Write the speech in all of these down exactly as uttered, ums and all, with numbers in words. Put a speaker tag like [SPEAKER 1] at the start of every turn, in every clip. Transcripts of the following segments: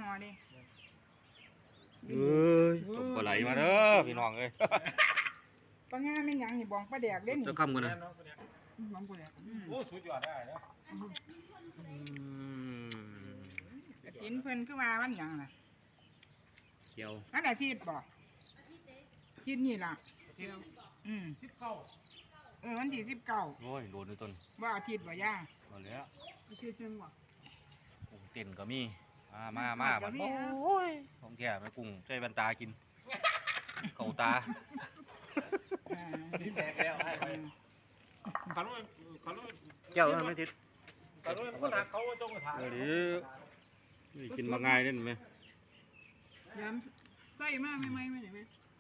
[SPEAKER 1] ห่อดิ
[SPEAKER 2] เอ้ยตบปลาไหลมาเด้อพี่น้องเอ้ย
[SPEAKER 1] ปลาง่าไม่หยังนี่บองปลาแดกเด้นี่
[SPEAKER 2] จะคำกันนะ
[SPEAKER 1] บองปลาแดกอืม
[SPEAKER 3] โอ้สุดยอดได้แล้ว
[SPEAKER 1] กระถินเพิ่นคือว่าวันหยังล่ะ
[SPEAKER 2] เจียว
[SPEAKER 1] วันอาทิตย์บ่อาทิตย์นี่ล่ะอืม
[SPEAKER 3] สิบเก้า
[SPEAKER 1] เออวันที่สิบเก้า
[SPEAKER 2] โอ้ยโดนในต้น
[SPEAKER 1] ว่าอาทิตย์บ่ย่า
[SPEAKER 2] มาแล้ว
[SPEAKER 1] อาทิตย์นึงบ่
[SPEAKER 2] กุ้งเต้นก็มีมามามาบัดโอ้ยของแก่ไปกุ้งใช้บันตากินเข่าตา
[SPEAKER 1] อ่า
[SPEAKER 3] นี่แตกแล้วให้ไปขันว่าขันว่า
[SPEAKER 2] เจ้าไม่ทิศ
[SPEAKER 3] ขันว่าคนหักเขาจงกระถาง
[SPEAKER 2] เดี๋ยวนี้กินมาง่ายได้ไหม
[SPEAKER 1] ยามใส่มาไม่ไม่ไม่ได้ไหม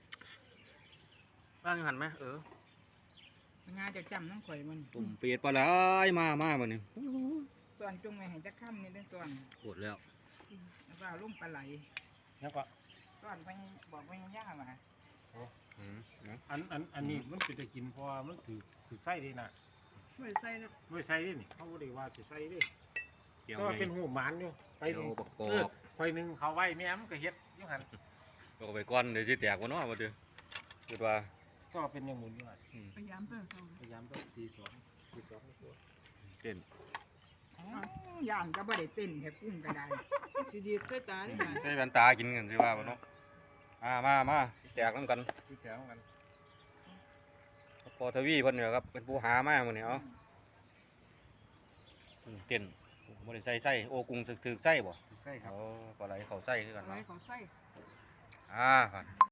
[SPEAKER 2] บ้างหันไหมเออ
[SPEAKER 1] ปลาง่าจะจำน้องข่อยมัน
[SPEAKER 2] ตุ่มเปียดปลาไหลมามาบัดนี้
[SPEAKER 1] ส่วนจงไว้ให้จักค่ำนี่เด้อส่วน
[SPEAKER 2] ปวดแล้ว
[SPEAKER 1] แล้วก็เอาลุ่มปลาไหล
[SPEAKER 3] แล้วก็
[SPEAKER 1] ส่วนไปบอกไปย่าว่า
[SPEAKER 2] อืมนะ
[SPEAKER 3] อันอันอันนี้มันเป็นจะกินเพราะมันถือถือไส้ดีนะ
[SPEAKER 1] ไม่ใส่นะ
[SPEAKER 3] ไม่ใส่ดินี่เขาบอกว่าสิใส่ดิ
[SPEAKER 2] เจียว
[SPEAKER 3] ก็
[SPEAKER 2] ใหญ่
[SPEAKER 3] เป็นหูหมันอยู่ไป
[SPEAKER 2] เจี
[SPEAKER 3] ห
[SPEAKER 2] ยว
[SPEAKER 3] นึ่ง
[SPEAKER 2] บักก
[SPEAKER 3] เอ
[SPEAKER 2] อ
[SPEAKER 3] อก คอยหนึ่งเขาไว้แม่มันก็เฮ็ดอยุ่งหัน
[SPEAKER 2] ก็ไปก้อนเดี๋ยวจะแตกวะเนาะวะเดี๋ยวคิดว่า
[SPEAKER 3] ก็เป็นอย่างหมุนอยู่อ่ะ
[SPEAKER 2] อืม
[SPEAKER 1] พยายามเติมเติม
[SPEAKER 3] พยายามต้องตีสองตีสองตัว
[SPEAKER 2] เต้น
[SPEAKER 1] ย่านก็บ่ได้เต้นแค่กุ้งก็ได้สิดีใส่ตาได้ค่ะ
[SPEAKER 2] ใช้บันตากินกันสิว่าบ่เนาะมามามาแตกน้ำกัน
[SPEAKER 3] ที่แถวกัน
[SPEAKER 2] พอทวีเพิ่นเนี่ยครับเป็นผู้หามาหมื้อนี้เอ้าอืมเต้นบ่ได้ใส่ไส้โอ้กุ้งสึกถึกไส้บ่
[SPEAKER 3] ใช่ครับ
[SPEAKER 2] โอ้ปลาไหลเข้าไส้คือกัน
[SPEAKER 1] อะไร
[SPEAKER 2] เนาะ
[SPEAKER 1] เขาใส่
[SPEAKER 2] อ่าครับ